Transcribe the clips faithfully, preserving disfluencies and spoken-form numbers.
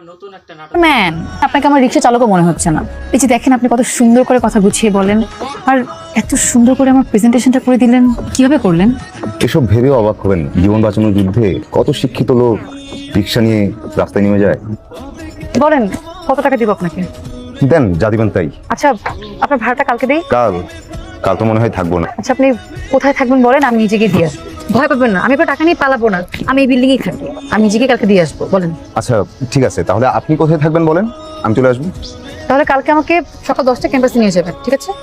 Man, আপনাকে আমার রিক্সা চালকও মনে হচ্ছে না। এই যে দেখেন আপনি কত সুন্দর করে কথা গুছিয়ে বলেন, আর এত সুন্দর করে আমার প্রেজেন্টেশনটা করে দিলেন, কিভাবে করলেন? এসব ভেবে অবাক হবেন না। জীবন বাঁচানোর যুদ্ধে কত শিক্ষিত লোক রিক্সা নিয়ে রাস্তায় নেমে যায়। বলেন কত টাকা দিব আপনাকে? দেন, যা দিবেন তাই। আচ্ছা, আপনার ভাড়াটা কালকে দেই। কাল কাল তো মনে হয় থাকবো না। আচ্ছা, আপনি কোথায় থাকবেন বলেন, আমি নিজেকে দিয়ে আসবো। ভয় পাবেন না, আমি আপনার টাকা নিয়ে পালাবো না। আমি এই বিল্ডিংয়েই থাকি, আমি নিজেকে কালকে দিয়ে আসবো। বলেন। আচ্ছা ঠিক আছে, তাহলে আপনি কোথায় থাকবেন বলেন, আমি চলে আসবো। তাহলে কালকে আমাকে সকাল দশটা ক্যাম্পাসে নিয়ে যাবেন, ঠিক আছে?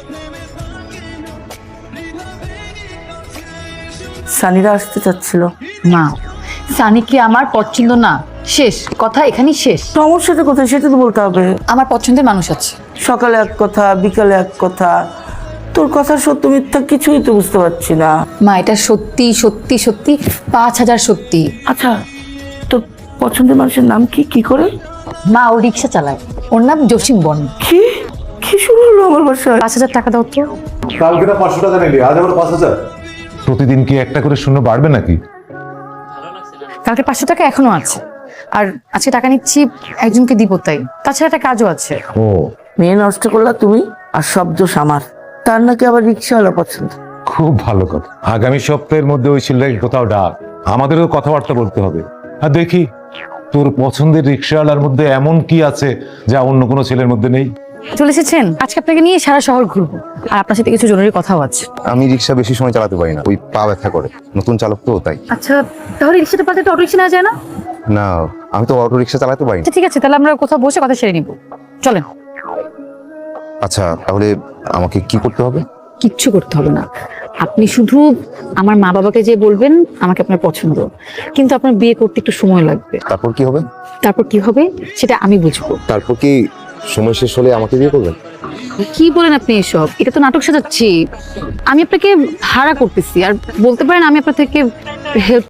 সানিরা আসতে চাচ্ছিল। না, সানি কি আমার পছন্দ না, শেষ কথা, এখানেই শেষ। সমস্যাটা কোথায় সেটা তো বলতে হবে। আমার পছন্দের মানুষ আছে। সকালে এক কথা, বিকালে এক কথা, তোর কথা সত্য মিথ্যা কিছুই তো বুঝতে পারছি না। মা, এটা সত্যি সত্যি সত্যি পাঁচ হাজার সত্যি। আচ্ছা, তোর পছন্দের মানুষের নাম কি? কি করে? মা, ও রিক্সা চালায়, ওর নাম জসিম বন। কি কি শুরু হলো আমার বাসায়? পাঁচ হাজার টাকা দাও তো। কালকে না পাঁচশো টাকা নিলি, আজ আবার পাঁচ হাজার। প্রতিদিন কি একটা করে শূন্য বাড়বে নাকি? কালকে পাঁচশো টাকা এখনো আছে, আর আজকে টাকা নিচ্ছি একজনকে দিব, তাই। তাছাড়া একটা কাজও আছে। ও, মেয়ে নষ্ট করলা তুমি, আর সব দোষ আমার। তার নাকি আবার রিক্সাওয়ালা পছন্দ। খুব ভালো কথা। আগামী সপ্তাহের মধ্যে ওই ছেলেটাকে কোথাও ডাক, আমাদেরও কথাবার্তা বলতে হবে। আর দেখি তোর পছন্দের রিক্সাওয়ালার মধ্যে এমন কি আছে যা অন্য কোনো ছেলের মধ্যে নেই। চলে এসেছেন, আজকে আপনাকে নিয়ে সারা শহর ঘুরবো, আর আপনার সাথে কিছু জরুরি কথাও আছে। আমি রিক্সা বেশি সময় চালাতে পারি না, ওই পা ব্যথা করে। নতুন চালক তো, তাই। আচ্ছা, তাহলে রিক্সাটা পাল্টে অটো রিক্সা নেওয়া যায় না? না, আমি তো অটো রিক্সা চালাতে পারি না। আচ্ছা ঠিক আছে, তাহলে আমরা কোথাও বসে কথা সেরে নিব, চলেন। আচ্ছা, তাহলে আমাকে কি করতে হবে? কিচ্ছু করতে হবে না, আপনি শুধু আমার মা বাবাকে যে বলবেন আমাকে আপনার পছন্দ, কিন্তু আপনার বিয়ে করতে একটু সময় লাগবে। তারপর কি হবে? তারপর কি হবে সেটা আমি বুঝবো। তারপর কি সময় শেষ হলে আমাকে বিয়ে করবেন? কি বলেন আপনি এসব? এটা তো নাটক সাজাচ্ছি। আমি আপনাকে ভাড়া করতেছি, আর বলতে পারেন আমি আপনার থেকে হেল্প